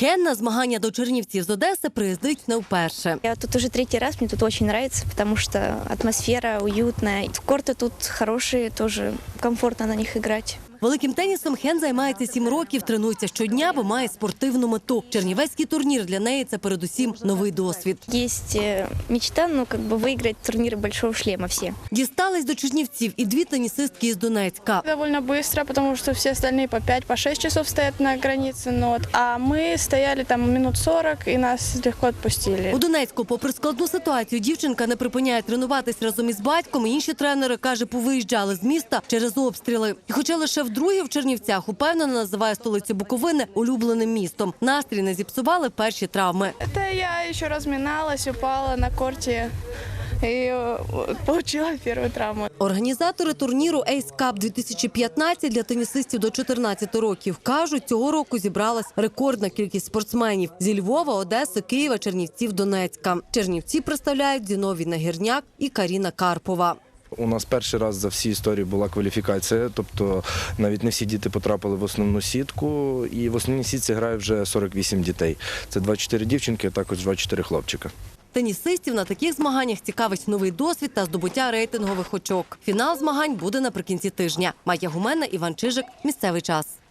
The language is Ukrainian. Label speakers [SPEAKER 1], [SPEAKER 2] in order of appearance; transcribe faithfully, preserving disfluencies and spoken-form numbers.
[SPEAKER 1] Хен на змагання до Чернівців з Одеси приїздить не вперше.
[SPEAKER 2] Я тут уже третий раз, мне тут очень нравится, потому что атмосфера уютная. Корты тут хорошие, тоже комфортно на них играть.
[SPEAKER 1] Великим тенісом Хен займається сім років, тренується щодня, бо має спортивну мету. Чернівецький турнір для неї – це передусім новий досвід.
[SPEAKER 2] Есть мечта, ну, как бы выиграть турниры большого шлема все.
[SPEAKER 1] Дістались до Чернівців і дві тенісистки із Донецька.
[SPEAKER 3] Довольно быстро, потому что все остальные по пять, по шесть часов стоят на границе. Ну, вот. А мы стояли там минут сорок, и нас легко отпустили.
[SPEAKER 1] У Донецьку, попри складну ситуацію, дівчинка не припиняє тренуватись разом із батьком. Інші тренери, каже, повиїжджали з міста через обстріли. І хоча лише вдруге в Чернівцях, упевнено називає столицю Буковини улюбленим містом. Настрій не зіпсували перші травми.
[SPEAKER 3] Это я еще разминалась, упала на корте и получила первую травму.
[SPEAKER 1] Організатори турніру Ace Cup дві тисячі п'ятнадцять для тенісистів до чотирнадцяти років кажуть, цього року зібралась рекордна кількість спортсменів – зі Львова, Одеси, Києва, Чернівців, Донецька. Чернівці представляють Зіновій Нагірняк і Каріна Карпова.
[SPEAKER 4] У нас перший раз за всі історії була кваліфікація, тобто навіть не всі діти потрапили в основну сітку, і в основній сітці грає вже сорок вісім дітей. Це двадцять чотири дівчинки, а також двадцять чотири хлопчика.
[SPEAKER 1] Тенісистів на таких змаганнях цікавить новий досвід та здобуття рейтингових очок. Фінал змагань буде наприкінці тижня. Майя Гумена, Іван Чижик. Місцевий час.